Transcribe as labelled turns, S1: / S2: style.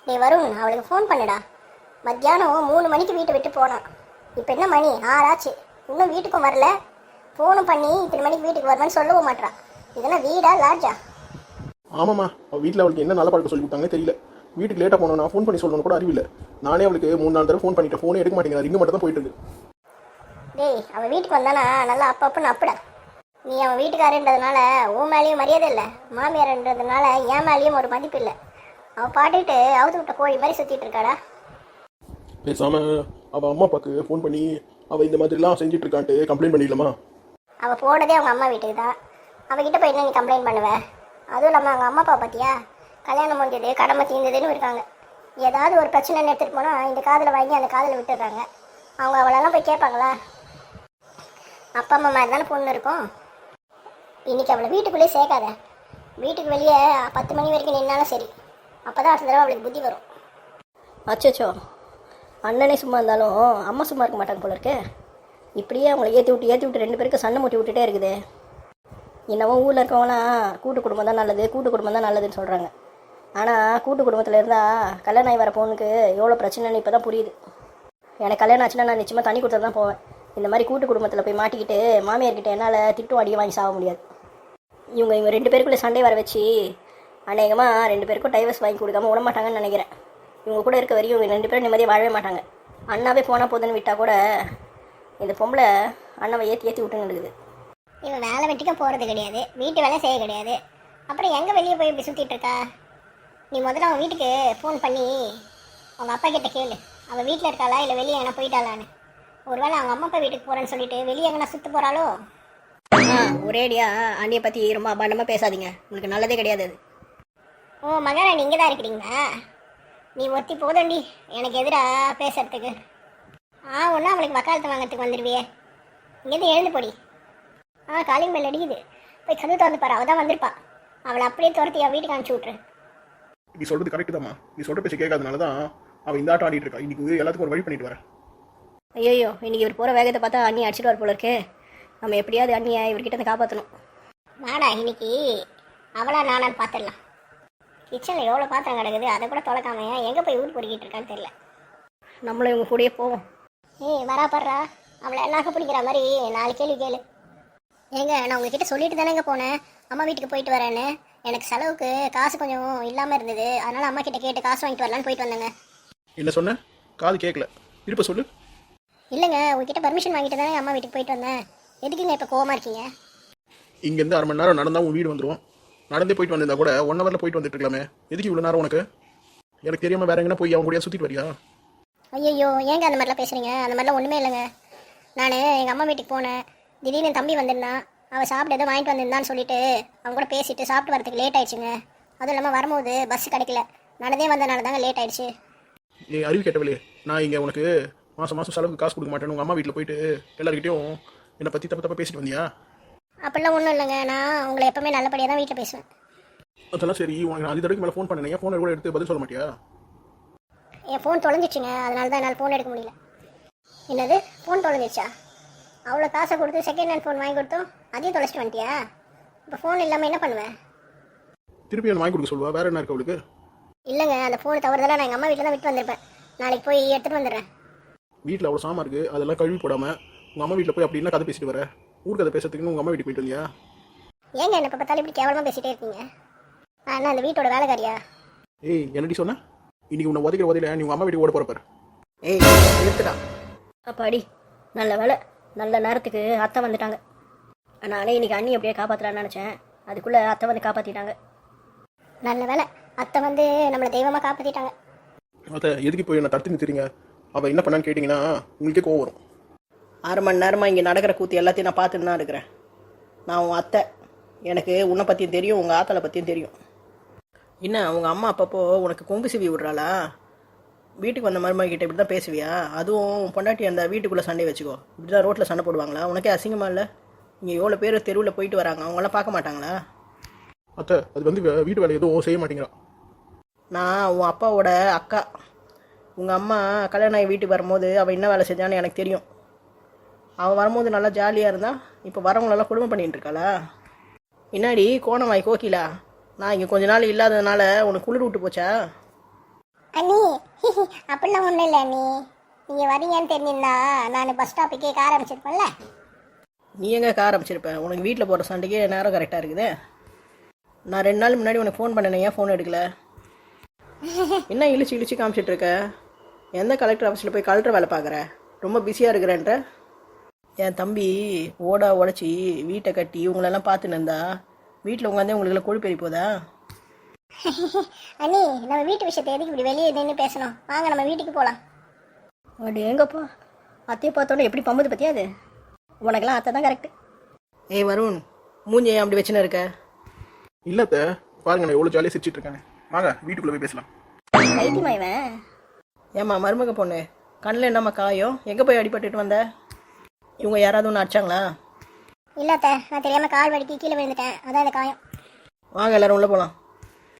S1: வருண், அவளுக்கு ஃபோன் பண்ணுடா. மத்தியானம் 3 மணிக்கு வீட்டை விட்டு போனான். இப்போ என்ன மணி 6 ஆச்சு, இன்னும் வீட்டுக்கும் வரல. ஃபோனும் பண்ணி இத்தனை மணிக்கு வீட்டுக்கு வரணும்னு சொல்லவும் மாட்டான். இதெல்லாம் வீடா லாட்ஜா?
S2: ஆமாம்மா, அவள் வீட்டில் அவளுக்கு என்ன நல்ல பழக்கம் சொல்லி கொடுத்தாங்கன்னு தெரியல. வீட்டுக்கு லேட்டாக போனோம், நான் ஃபோன் பண்ணி சொல்லணும் கூட அறிவில்லை. நானே அவளுக்கு 3-4 தடவை ஃபோன் பண்ணிட்டேன், ஃபோனே எடுக்க மாட்டேங்குது, ரிங்கு மட்டும் தான் போயிட்டு இருக்கு.
S1: டேய், அவள் வீட்டுக்கு வந்தானா நல்லா அப்பப்பன்னு அப்படா. நீ அவன் வீட்டுக்காரன்றதுனால உன் மேலேயும் மரியாதை இல்லை, மாமியார்ன்றதுனால என் மேலேயும் ஒரு மதிப்பு இல்லை. அவள் பாட்டுக்கிட்டு அவுத்து விட்ட கோழி மாதிரி சுற்றிட்டு இருக்காடா.
S2: பேசாமல் அவள் அம்மா அப்பாவுக்கு ஃபோன் பண்ணி அவள் இந்த மாதிரிலாம் செஞ்சுட்டு இருக்கான்ட்டு கம்ப்ளைண்ட் பண்ணிடலாமா?
S1: அவள் போனதே அவங்க அம்மா வீட்டுக்கு தான். அவகிட்ட போய் என்ன நீ கம்ப்ளைண்ட் பண்ணுவேன்? அதுவும் இல்லாமல் அவங்க அம்மா அப்பா பார்த்தியா, கல்யாணம் முடிஞ்சது கடமை தீர்ந்ததுன்னு இருக்காங்க. ஏதாவது ஒரு பிரச்சனைன்னு எடுத்துகிட்டு போனால் இந்த காதில் வாங்கி அந்த காதில் விட்டுடுறாங்க. அவங்க அவளெல்லாம் போய் கேட்பாங்களா? அப்பா அம்மா மாதிரி தானே பொண்ணு இருக்கும். இன்றைக்கி அவளை வீட்டுக்குள்ளேயே சேர்க்காத. வீட்டுக்கு வெளியே 10 மணி வரைக்கும் நின்னாலும் சரி, அப்போ தான் அடுத்த தடவை அவளுக்கு புத்தி வரும்.
S3: அச்சோ, அண்ணனே சும்மா இருந்தாலும் அம்மா சும்மா இருக்க மாட்டாங்க போல இருக்கே. இப்படியே அவங்கள ஏற்றி விட்டு 2 பேருக்கு சண்டை மூட்டி விட்டுட்டே இருக்குது. என்னவோ ஊரில் இருக்கவங்களாம் கூட்டு குடும்பம் தான் நல்லது, கூட்டு குடும்பம் தான் நல்லதுன்னு சொல்கிறாங்க. ஆனால் கூட்டு குடும்பத்தில் இருந்தால் கல்யாணம் ஆகி வர பொண்ணுக்கு எவ்வளோ பிரச்சனைன்னு இப்போ தான் புரியுது. எனக்கு கல்யாணம் ஆச்சுன்னா நான் நிச்சயமாக தண்ணி கொடுத்து தான் போவேன். இந்த மாதிரி கூட்டு குடும்பத்தில் போய் மாட்டிக்கிட்டு மாமியார்கிட்ட என்னால் திட்டும் அடியை வாங்கி சாக முடியாது. இவங்க 2 பேருக்குள்ளே சண்டை வர வச்சு அநேகமாக 2 பேருக்கும் டைவர்ஸ் வாங்கி கொடுக்காம விட மாட்டாங்கன்னு நினைக்கிறேன். இவங்க கூட இருக்க வரையும் இவங்க 2 பேரும் நிம்மதியாக வாழவே மாட்டாங்க. அண்ணாவே போனால் போதுன்னு விட்டால் கூட இந்த பொம்பளை அண்ணாவை ஏற்றி விட்டுன்னு இருக்குது.
S1: இவன் வேலை வெட்டிக்க போகிறது கிடையாது, வீட்டு வேலை செய்ய கிடையாது, அப்புறம் எங்கே வெளியே போய் இப்படி சுற்றிட்டு இருக்கா? நீ முதல்ல அவன் வீட்டுக்கு ஃபோன் பண்ணி அவங்க அப்பா கிட்ட கேளு, அவள் வீட்டில் இருக்காளா இல்லை வெளியே எங்கன்னா போயிட்டாளான்னு. ஒருவேளை அவங்க அம்மா அப்பா வீட்டுக்கு போகிறேன்னு சொல்லிட்டு வெளியே எங்கன்னா சுற்ற போகிறாளோ?
S3: ஒரேடியா அண்ணியை பற்றி ரொம்ப அபாண்டமாக பேசாதீங்க, உங்களுக்கு நல்லதே கிடையாது அது.
S1: ஓ மகாராணி இங்கே தான் இருக்கிறீங்களா? நீ ஒருத்தி போதண்டி எனக்கு எதிராக பேசுறதுக்கு. ஒன்றும் அவளுக்கு வக்காலத்து வாங்கிறதுக்கு வந்துடுவியே. இங்கேருந்து எழுந்து போடி. காலிங் பெல் அடிக்குது, போய் கதவு திறந்து பாரு, அவள் தான் வந்திருப்பா. அவளை அப்படியே துரத்தி அவள் வீட்டுக்கு அனுப்பிச்சி விட்ரு.
S2: நீ சொல்கிறது கரெக்டு தாம்மா, நீ சொல்கிற பேச்சு கேட்காதனால தான் அவள் இந்த ஆட்டம் ஆடிட்டு இருக்கா. இன்னைக்கு எல்லாத்துக்கும் ஒரு வழி பண்ணிட்டு வரேன்.
S3: ஐயோ, இன்னைக்கு இவர் போகிற வேகத்தை பார்த்தா அண்ணி அடிச்சிட்டு வர போல இருக்கே. நம்ம எப்படியாவது அண்ணியை இவர்கிட்ட வந்து காப்பாற்றணும்.
S1: வாடா, இன்னைக்கு அவளா நானான்னு பார்த்துடலாம். கிச்சனில் எவ்வளோ பாத்திரம் கிடக்குது, அதை கூட தொலைக்காமையா எங்கே போய் ஊர் பொறுக்கிட்டு இருக்கான்னு தெரியல.
S3: நம்மளும் இவங்க கூடயே போவோம்.
S1: வரா படுறா, அவளை எல்லாருக்கும் பிடிக்கிற மாதிரி 4 கேள்வி கேளு. ஏங்க, நான் உங்ககிட்ட சொல்லிட்டு தானேங்க போனேன் அம்மா வீட்டுக்கு போயிட்டு வரேன்னு. எனக்கு செலவுக்கு காசு கொஞ்சம் இல்லாமல் இருந்தது, அதனால் அம்மா கிட்ட கேட்டு காசு வாங்கிட்டு வரலான்னு போயிட்டு வந்தேங்க.
S2: என்ன சொன்ன? காது கேட்கல, திருப்ப சொல்லு.
S1: இல்லைங்க, உங்ககிட்ட பர்மிஷன் வாங்கிட்டு தானே அம்மா வீட்டுக்கு போயிட்டு வந்தேன். எதுக்குங்க இப்போ கோவமாக இருக்கீங்க?
S2: இங்கேருந்து 1/2 மணி நேரம் நடந்தால் உன் வீடு வந்துடும். நடந்தே போயிட்டு வந்திருந்தா கூட 1 ஹவரில் போயிட்டு வந்துட்டு இருக்கலாமே. எதுக்கு இவ்வளோ நேரம் உனக்கு? எனக்கு தெரியாமல் வேற எங்கன்னா போய் அவன் கூட சுற்றிட்டு வரியா?
S1: ஐயோ, ஏங்க அந்த மாதிரிலாம் பேசுகிறீங்க? அந்த மாதிரிலாம் ஒன்றுமே இல்லைங்க. நான் எங்கள் அம்மா வீட்டுக்கு போனேன், திடீர்னு தம்பி வந்திருந்தான், அவள் சாப்பிட்டு எதோ வாங்கிட்டு வந்திருந்தான்னு சொல்லிட்டு அவங்க கூட பேசிட்டு சாப்பிட்டு வரதுக்கு லேட் ஆயிடுச்சுங்க. அதுவும் இல்லாமல் வரும்போது பஸ் கிடைக்கல, நடந்தே வந்தனால தாங்க லேட் ஆயிடுச்சு.
S2: அறிவு கேட்டவளே, நான் இங்கே உனக்கு மாதம் செலவுக்கு காசு கொடுக்க மாட்டேன்னு உங்கள் அம்மா வீட்டில் போயிட்டு எல்லாருக்கிட்டையும் என்னை பற்றி தப்பாக பேசிட்டு வந்தியா?
S1: அப்படிலாம் ஒன்றும் இல்லைங்க, நான் உங்களை எப்பவுமே நல்லபடியாக தான் வீட்டில் பேசுவேன்.
S2: அதெல்லாம் சரி, உனக்கு நான் 5 தடவைக்கு மேலே ஃபோன் பண்ணேன், ஃபோனை கூட எடுத்து பதில் சொல்ல மாட்டியா?
S1: என் ஃபோன் தொலைஞ்சிச்சுங்க, அதனால தான் என்னால் ஃபோன் எடுக்க முடியல. என்னது, ஃபோன் தொலைஞ்சிச்சா? அவ்வளோ காசை கொடுத்து செகண்ட் ஹேண்ட் ஃபோன் வாங்கி கொடுத்தோம், அதையும் தொலைச்சிட்டு வந்துட்டியா? இப்போ ஃபோன் இல்லாமல் என்ன பண்ணுவேன்?
S2: திருப்பி வாங்கி கொடுக்க சொல்லுவா, வேற என்ன இருக்கு அவளுக்கு?
S1: இல்லைங்க, அந்த ஃபோனு தவறுதெல்லாம் நான் எங்கள் அம்மா வீட்டில் தான் விட்டு வந்திருப்பேன். நாளைக்கு போய் எடுத்துகிட்டு வந்துடுறேன்.
S2: வீட்டில் அவ்வளோ சாமா இருக்குது, அதெல்லாம் கழுவி போடாமல் உங்கள் அம்மா வீட்டில் போய் அப்படின்னா கதை பேசிட்டு வர. ஊர் கதை பேசுறதுக்குன்னு உங்கள் அம்மா வீட்டுக்கு போயிட்டு வந்தியா?
S1: ஏங்க என்ன இப்போ பார்த்தாலும் இப்படி கேவலமாக பேசிகிட்டே இருக்கீங்க? நான் என்ன அந்த வீட்டோட வேலைக்காரியா?
S2: ஏய், என்னடி சொன்ன? இன்னைக்கு உன்னை உதைக்கிற உதையில நீ உங்கள் அம்மா வீட்டுக்கு ஓட போகிறப்பார்.
S3: ஏய், எடுத்துடா அப்பாடி, நல்ல வேலை, நல்ல நேரத்துக்கு அத்தை வந்துட்டாங்க. நானே இன்னைக்கு அண்ணி அப்படியே காப்பாற்றலான்னு நினச்சேன், அதுக்குள்ளே அத்தை வந்து காப்பாற்றிட்டாங்க.
S1: நல்ல வேலை, அத்தை வந்து நம்மளை தெய்வமாக காப்பாற்றிட்டாங்க.
S2: அத்தை எதுக்கு போய் என்ன தடுத்து நிறுத்துறீங்க? அவள் என்ன பண்ணான்னு கேட்டிங்கன்னா உங்களுக்கே கோவம் வரும்.
S3: 6 மணி நேரமாக இங்கே நடக்கிற கூத்து எல்லாத்தையும் நான் பார்த்துட்டு தான் இருக்கிறேன். நான் உன் அத்தை, எனக்கு உன்னை பற்றியும் தெரியும், உங்கள் ஆத்தலை பற்றியும் தெரியும். என்ன உங்கள் அம்மா அப்பப்போ உனக்கு கொங்கு சிவி விடுறாளா? வீட்டுக்கு வந்த மருமகிட்ட இப்படி தான் பேசுவியா? அதுவும் பொண்டாட்டி அந்த வீட்டுக்குள்ளே சண்டை வச்சுக்கோ, இப்படி தான் ரோட்டில் சண்டை போடுவாங்களா? உனக்கே அசிங்கமாக இல்லை? இங்கே எவ்வளோ பேர் தெருவில் போயிட்டு வராங்க, அவங்களாம் பார்க்க மாட்டாங்களா?
S2: அத்தை அது வந்து வீட்டு வேலை எதுவும் செய்ய மாட்டேங்கிறான்.
S3: நான் உன் அப்பாவோட அக்கா. உங்கள் அம்மா கல்யாணம் ஆகி வீட்டுக்கு வரும்போது அவள் என்ன வேலை செஞ்சான்னு எனக்கு தெரியும். அவள் வரும்போது நல்லா ஜாலியாக இருந்தா, இப்போ வரவங்களெல்லாம் குடும்பம் பண்ணிகிட்டு இருக்காளா? என்னாடி கோணமாய் கோகிலா, நான் இங்கே கொஞ்ச நாள் இல்லாததுனால உனக்கு குளிர் விட்டு போச்சா?
S1: அண்ணி அப்படிலாம் ஒன்றும் இல்லை நீ நீங்கள் வரீங்கன்னு தெரிஞ்சிருந்தா நான் பஸ் ஸ்டாப்புக்கே கார் ஆரம்பிச்சிருப்பேன்ல.
S3: நீ எங்கே கார் ஆரம்பிச்சிருப்ப? உனக்கு வீட்டில் போகிற சண்டைக்கே நேரம் கரெக்டாக இருக்குது. நான் 2 நாள் முன்னாடி உனக்கு ஃபோன் பண்ணேன், ஏன் ஃபோன் எடுக்கல? என்ன இழிச்சு இழிச்சு காமிச்சிட்டு இருக்க? எந்த கலெக்டர் ஆஃபீஸில் போய் கலெக்டர் வேலை பார்க்குற? ரொம்ப பிஸியாக இருக்கிறேன்ற. என் தம்பி ஓடா உடச்சி வீட்டை கட்டி உங்களெல்லாம் பார்த்துன்னு இருந்தா வீட்டில் உட்காந்தே உங்களுக்குலாம் கொழுப்பேறி போதா?
S1: அண்ணி நம்ம வீட்டு விஷயத்தை எதுக்கு இப்படி வெளியே நின்று பேசணும்? வாங்க நம்ம வீட்டுக்கு போகலாம்.
S3: அப்படி எங்கப்பா அத்தையை பார்த்தோன்னே எப்படி பம்புது பற்றியா? அது உனக்கெல்லாம் அத்தை தான் கரெக்டு. ஏய் வருண், மூஞ்சி ஏன் அப்படி வச்சுன்னு இருக்க?
S2: இல்லத்த பாருங்க, நான் எவ்வளோ ஜாலியாக சிரிச்சிட்டு இருக்காங்க. வாங்க வீட்டுக்குள்ளே போய் பேசலாம்.
S3: கைத்தியமா இவன்? ஏம்மா மருமக பொண்ணு, கண்ணில் என்னம்மா காயம்? எங்கே போய் அடிபட்டுட்டு வந்த? இவங்க யாராவது ஒன்று அடிச்சாங்களா?
S1: இல்லை அத்தை, நான் தெரியாமல் கால் வலிக்கு கீழே விழுந்துட்டேன், அதான் இந்த காயம்.
S3: வாங்க எல்லாரும் உள்ளே போகலாம்.